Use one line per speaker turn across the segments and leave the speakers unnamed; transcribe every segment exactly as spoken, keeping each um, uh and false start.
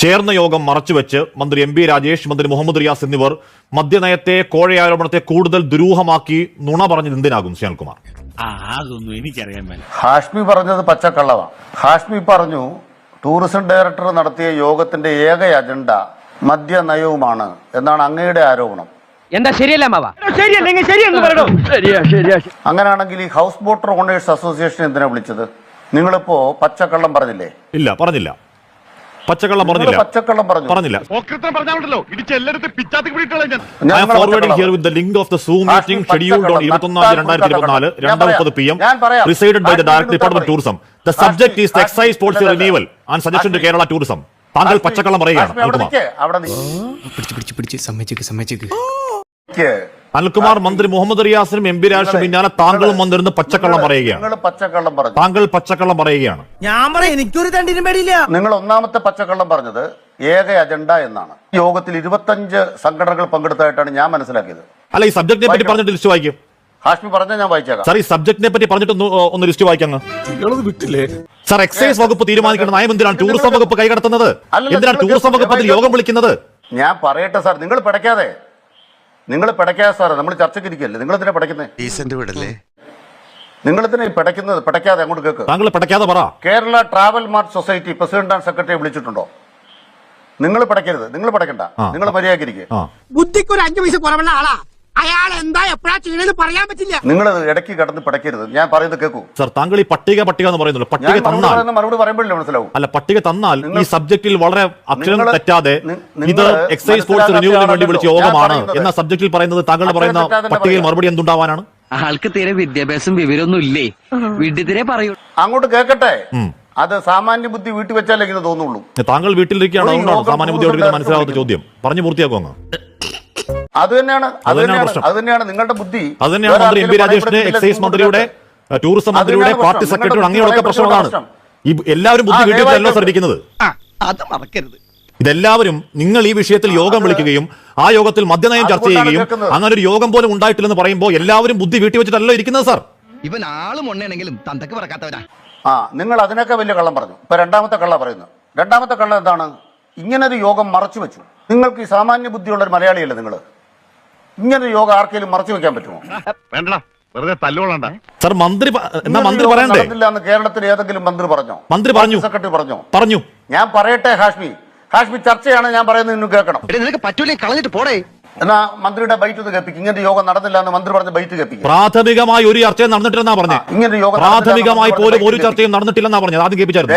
ചേർന്ന യോഗം മറച്ചുവെച്ച് മന്ത്രി എം പി രാജേഷ്, മന്ത്രി മുഹമ്മദ് റിയാസ് എന്നിവർ മദ്യനയത്തെ, കോഴയാരോപണത്തെ കൂടുതൽ ദുരൂഹമാക്കി നുണ പറഞ്ഞത് എന്തിനാകും ശ്യാൽകുമാർ?
അതൊന്നും എനിക്കറിയാൻ മേല.
ഹാഷ്മി പറഞ്ഞത് പച്ചക്കള്ളമാണ്. ഹാഷ്മി പറഞ്ഞു ടൂറിസം ഡയറക്ടർ നടത്തിയ യോഗത്തിന്റെ ഏക അജണ്ട മദ്യനയവുമാണ് എന്നാണ് അങ്ങയുടെ ആരോപണം.
എന്താ ശരിയല്ല മാവാ? ശരിയല്ലെങ്കിൽ ശരിയെന്ന് പറയണോ? ശരിയാ ശരിയാ.
അങ്ങനെയാണെങ്കിൽ ഈ ഹൗസ് ബോട്ട് ഓണേഴ്സ് അസോസിയേഷൻ എന്തിനാ വിളിച്ചത്? നിങ്ങളിപ്പോ പച്ചക്കള്ളം പറഞ്ഞില്ലേ?
ഇല്ല, പറഞ്ഞില്ല. പച്ചക്കള്ളം പറഞ്ഞില്ല.
പച്ചക്കള്ളം പറഞ്ഞു
പറഞ്ഞില്ല.
ഞാൻ
I am forwarding here with the link of the Zoom meeting scheduled on ഇരുപത്തിയൊന്ന് രണ്ടായിരത്തി ഇരുപത്തിനാല് രണ്ട് മുപ്പത് p m presided by the Director Department of Tourism. The subject is the excise policy renewal and suggestion to Kerala tourism. താങ്കൾ പച്ചക്കള്ളം പറയുകയാണ്. അനിൽകുമാർ, മന്ത്രി മുഹമ്മദ് റിയാസിനും എം പി രാജേഷിനും പിന്നാലെ താങ്കളും വന്നിരുന്ന് പച്ചക്കള്ളം പറയുകയാണ്. താങ്കൾ പച്ചക്കള്ളം പറയുകയാണ്.
ഞാൻ പറയാം, എനിക്കൊരു തണ്ടിനും പേടിയില്ല.
നിങ്ങൾ ഒന്നാമത്തെ പച്ചക്കള്ളം പറഞ്ഞത് ഏക അജണ്ട എന്നാണ്. യോഗത്തിൽ ഇരുപത്തഞ്ച് സംഘടനകൾ പങ്കെടുത്തായിട്ടാണ് ഞാൻ മനസ്സിലാക്കിയത്.
അല്ല, ഈ സബ്ജക്റ്റിനെ പറ്റി പറഞ്ഞിട്ട് ലിസ്റ്റ് വായിക്കും.
ഹാഷ്മി പറഞ്ഞാൽ ഞാൻ വായിച്ചേക്കാം.
സാർ, ഈ സബ്ജക്റ്റിനെ പറ്റി പറഞ്ഞിട്ട് ഒന്ന് ലിസ്റ്റ് വായിക്കാം. സാർ, എക്സൈസ് വകുപ്പ് തീരുമാനിക്കേണ്ട നയം എന്തിനാണ് ടൂറിസം വകുപ്പ് കൈകടത്തുന്നത്? എന്തിനാണ് ടൂറിസം വകുപ്പ് അതിൽ യോഗം വിളിക്കുന്നത്?
ഞാൻ പറയട്ടെ സാർ, നിങ്ങൾ പിടയ്ക്കാതെ നിങ്ങൾ പിടയ്ക്കാതെ സാറേ, നമ്മൾ ചർച്ചയ്ക്ക് ഇരിക്കല്ലേ, നിങ്ങൾ എന്തിനാ പിടയ്ക്കുന്നത്? നിങ്ങൾ എന്തിനാ പിടയ്ക്കുന്നത്? പിടയ്ക്കാതെ അങ്ങോട്ട് കേൾക്ക്.
താങ്കൾ പിടയ്ക്കാതെ പറ.
Kerala travel mart society president and secretary വിളിച്ചിട്ടുണ്ടോ? നിങ്ങൾ പിടയ്ക്കരുത്, നിങ്ങൾ പിടയ്ക്കണ്ട, നിങ്ങൾ മര്യാദക്കിരിക്കുക.
ബുദ്ധിക്ക് ഒരു അഞ്ചു പൈസ കുറവുള്ള ആളാ അയാൾ. എന്താ എപ്പോഴാ ചെയ്യണെന്ന് പറയാൻ പറ്റില്ല.
നിങ്ങൾ ഇടയ്ക്ക് കടന്ന് പിടയ്ക്കരുത്, ഞാൻ പറയുന്നത് കേൾക്കൂ.
സാർ, താങ്കൾ ഈ പട്ടിക പട്ടിക എന്ന് പറയുന്നുള്ളൂ. പട്ടിക തന്നാൽ
മറുപടി പറയുമ്പോഴല്ലേ മനസ്സിലാവും.
അല്ല, പട്ടിക തന്നാൽ ഈ സബ്ജക്റ്റിൽ വളരെ അക്ഷരം തെറ്റാതെ ഇത് എക്സൈസ് ഫോഴ്സ് റിന്യൂവലിന് വേണ്ടി വിളിച്ച യോഗമാണ് എന്ന സബ്ജക്റ്റിൽ പറയുന്നത്, താങ്കൾ പറയുന്ന പട്ടികയിൽ മറുപടി എന്തുണ്ടാവാനാണ്?
ആൾക്ക് തീരെ വിദ്യാഭ്യാസം വിവരമൊന്നും ഇല്ലേ? വീട്ടിൽ പറയൂ.
അങ്ങോട്ട് കേൾക്കട്ടെ. അത് സാമാന്യ ബുദ്ധി വീട്ടിൽ വെച്ചാലേ ഇങ്ങനെ തോന്നുള്ളൂ.
താങ്കൾ വീട്ടിലിരിക്കുകയാണ്, അതുകൊണ്ടാണ് സാമാന്യ ബുദ്ധിയോട് മനസ്സിലാവാത്ത ചോദ്യം. പറഞ്ഞു പൂർത്തിയാക്കുമോ?
അത് തന്നെയാണ് അത് തന്നെയാണ് നിങ്ങളുടെ ബുദ്ധി.
അത് തന്നെയാണ് മന്ത്രി എം പി രാജേഷിന്റെ, എക്സൈസ് മന്ത്രിയുടെ, ടൂറിസം മന്ത്രിയുടെ, പാർട്ടി സെക്രട്ടറിയുടെ, അങ്ങനെയൊക്കെ പ്രശ്നങ്ങളാണ്. ഈ എല്ലാവരും ബുദ്ധി വീട്ടിലല്ലോ സാർ ഇരിക്കുന്നത്.
അത് മറക്കരുത്.
ഇതെല്ലാവരും നിങ്ങൾ ഈ വിഷയത്തിൽ യോഗം വിളിക്കുകയും ആ യോഗത്തിൽ മദ്യനയം ചർച്ച ചെയ്യുകയും അങ്ങനെ ഒരു യോഗം പോലും ഉണ്ടായിട്ടില്ലെന്ന് പറയുമ്പോൾ എല്ലാവരും ബുദ്ധി വീട്ടിൽ വെച്ചിട്ടല്ലോ ഇരിക്കുന്നത് സാർ.
ഇവൻ ആളും ഒന്നാണെങ്കിലും തന്തക്ക് പറക്കാത്തവരാ.
ആ, നിങ്ങൾ അതിനൊക്കെ വലിയ കള്ളം പറഞ്ഞു. ഇപ്പൊ രണ്ടാമത്തെ കള്ള പറയുന്നു. രണ്ടാമത്തെ കള്ളം എന്താണ്? ഇങ്ങനൊരു യോഗം മറച്ചു വെച്ചു. നിങ്ങൾക്ക് ഈ സാമാന്യ ബുദ്ധിയുള്ള ഒരു മലയാളിയല്ലേ നിങ്ങൾ? ഇങ്ങനൊരു യോഗം ആർക്കെങ്കിലും മറച്ചു വെക്കാൻ പറ്റുമോ?
സാർ, മന്ത്രി എന്നാ മന്ത്രി പറയണ്ടേ?
കേരളത്തിൽ ഏതെങ്കിലും മന്ത്രി പറഞ്ഞോ?
മന്ത്രി പറഞ്ഞു,
സെക്രട്ടറി പറഞ്ഞോ?
പറഞ്ഞു. ഞാൻ
പറയട്ടെ ഹാഷ്മി, ഹാഷ്മി ചർച്ചയാണ് ഞാൻ പറയുന്നത്, നിങ്ങൾ കേൾക്കണം.
നിനക്ക് പറ്റൂലേ, കളഞ്ഞിട്ട് പോടേ.
എന്നാ മന്ത്രിയുടെ ബൈറ്റ് ഒന്ന് കേൾപ്പിക്കും. ഇങ്ങനത്തെ യോഗം നടന്നില്ല എന്ന് മന്ത്രി പറഞ്ഞ ബൈറ്റ് കേൾപ്പിക്കും.
പ്രാഥമികമായി ഒരു ചർച്ചയും നടന്നിട്ടില്ലെന്നാ പറഞ്ഞത്.
ഇങ്ങനെ യോഗം
പ്രാഥമികമായി പോലും ഒരു ചർച്ചയും നടന്നിട്ടില്ലെന്നാ പറഞ്ഞത്. ആദ്യം കേൾപ്പിച്ചായിരുന്നു.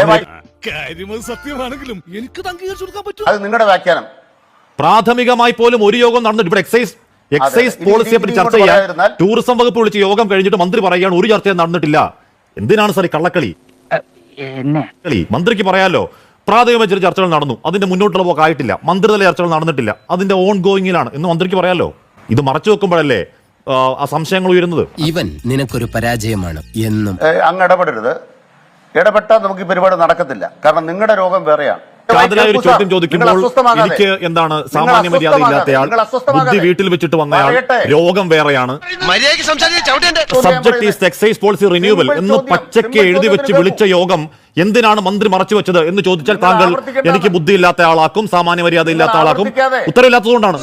അത് നിങ്ങളുടെ വ്യാഖ്യാനം.
പ്രാഥമികമായി പോലും ഒരു യോഗം നടന്നിട്ട് ഇവിടെ എക്സൈസ് എക്സൈസ് പോളിസിയെ പറ്റി ചർച്ച ചെയ്യാൻ ടൂറിസം വകുപ്പ് വിളിച്ച് യോഗം കഴിഞ്ഞിട്ട് മന്ത്രി പറയുകയാണ് ഒരു ചർച്ചയും നടന്നിട്ടില്ല. എന്തിനാണ് സാർ ഈ കള്ളക്കളി? കളി മന്ത്രിക്ക് പറയാലോ, പ്രാഥമികമായ ചില ചർച്ചകൾ നടന്നു, അതിന്റെ മുന്നോട്ടുള്ള പോക്ക് ആയിട്ടില്ല, മന്ത്രിതല ചർച്ചകൾ നടന്നിട്ടില്ല, അതിന്റെ ഓൺ ഗോയിങ്ങിലാണ് എന്ന് മന്ത്രിക്ക് പറയാലോ. ഇത് മറച്ചു വെക്കുമ്പോഴല്ലേ ആ സംശയങ്ങൾ ഉയരുന്നത്.
ഇവൻ നിനക്കൊരു പരാജയമാണ് എന്നും.
അങ്ങ് ഇടപെടരുത്. ഇടപെട്ടാൽ നമുക്ക് ഈ പരിപാടി നടക്കത്തില്ല. കാരണം നിങ്ങളുടെ രോഗം വേറെയാണ്.
കാതലായ ഒരു ചോദ്യം ചോദിക്കുമ്പോൾ എനിക്ക് എന്താണ് സാമാന്യ മര്യാദ ഇല്ലാത്തയാൾ, ബുദ്ധി വീട്ടിൽ വെച്ചിട്ട് വന്നയാൾ, രോഗം വേറെയാണ്, subject is excise policy renewal എന്ന് പച്ചയ്ക്ക് എഴുതി വെച്ച് വിളിച്ച യോഗം എന്തിനാണ് മന്ത്രി മറച്ചു വെച്ചത് എന്ന് ചോദിച്ചാൽ താങ്കൾ എനിക്ക് ബുദ്ധി ഇല്ലാത്ത ആളാക്കും, സാമാന്യ മര്യാദ ഇല്ലാത്ത ആളാക്കും. ഉത്തരവില്ലാത്തതുകൊണ്ടാണ്.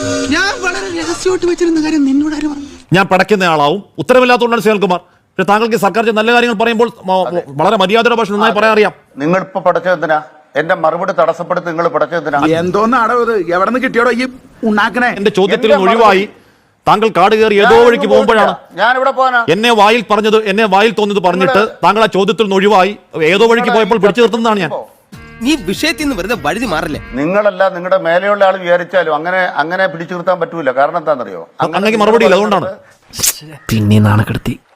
ഞാൻ പടയ്ക്കുന്ന ആളാവും. ഉത്തരവില്ലാത്തതുകൊണ്ടാണ് ശ്രീകുമാർ. പക്ഷെ താങ്കൾക്ക് സർക്കാർ നല്ല കാര്യങ്ങൾ പറയുമ്പോൾ വളരെ മര്യാദയുടെ ഭാഷ നന്നായി പറയാൻ അറിയാം.
നിങ്ങൾ ഇപ്പൊ പഠിച്ചതെന്തിനാ? എന്റെ മറുപടി തടസ്സപ്പെടുത്തി നിങ്ങൾ പഠിച്ചതെന്തിനാ?
എന്തോന്നാടോ ഇത്? എവിടെ നിന്ന് കിട്ടിയോടോ ഈ ഉണ്ടാക്കണേ?
എന്റെ ചോദ്യത്തിൽ ഒഴിവായി താങ്കൾ കാട് കയറി ഏതോ വഴിക്ക് പോകുമ്പോഴാണ്
ഞാനിവിടെ പോകാനാ
എന്നെ വായിൽ പറഞ്ഞത്, എന്നെ വായിൽ തോന്നിയത് പറഞ്ഞിട്ട് താങ്കൾ ആ ചോദ്യത്തിൽ നിന്ന് ഒഴിവായി ഏതോ വഴിക്ക് പോയപ്പോൾ പിടിച്ചു നിർത്തുന്നതാണ് ഞാൻ.
നീ വിഷയത്തിൽ നിന്ന് വെറുതെ വഴുതി മാറില്ലേ?
നിങ്ങളല്ല നിങ്ങളുടെ മേലെയുള്ള ആൾ വിചാരിച്ചാലും അങ്ങനെ അങ്ങനെ പിടിച്ചു നിർത്താൻ പറ്റൂല. കാരണം എന്താണെന്നറിയോ?
അങ്ങനെ മറുപടി ഇല്ല, അതുകൊണ്ടാണ്.
പിന്നെ നാണക്കെടുത്തി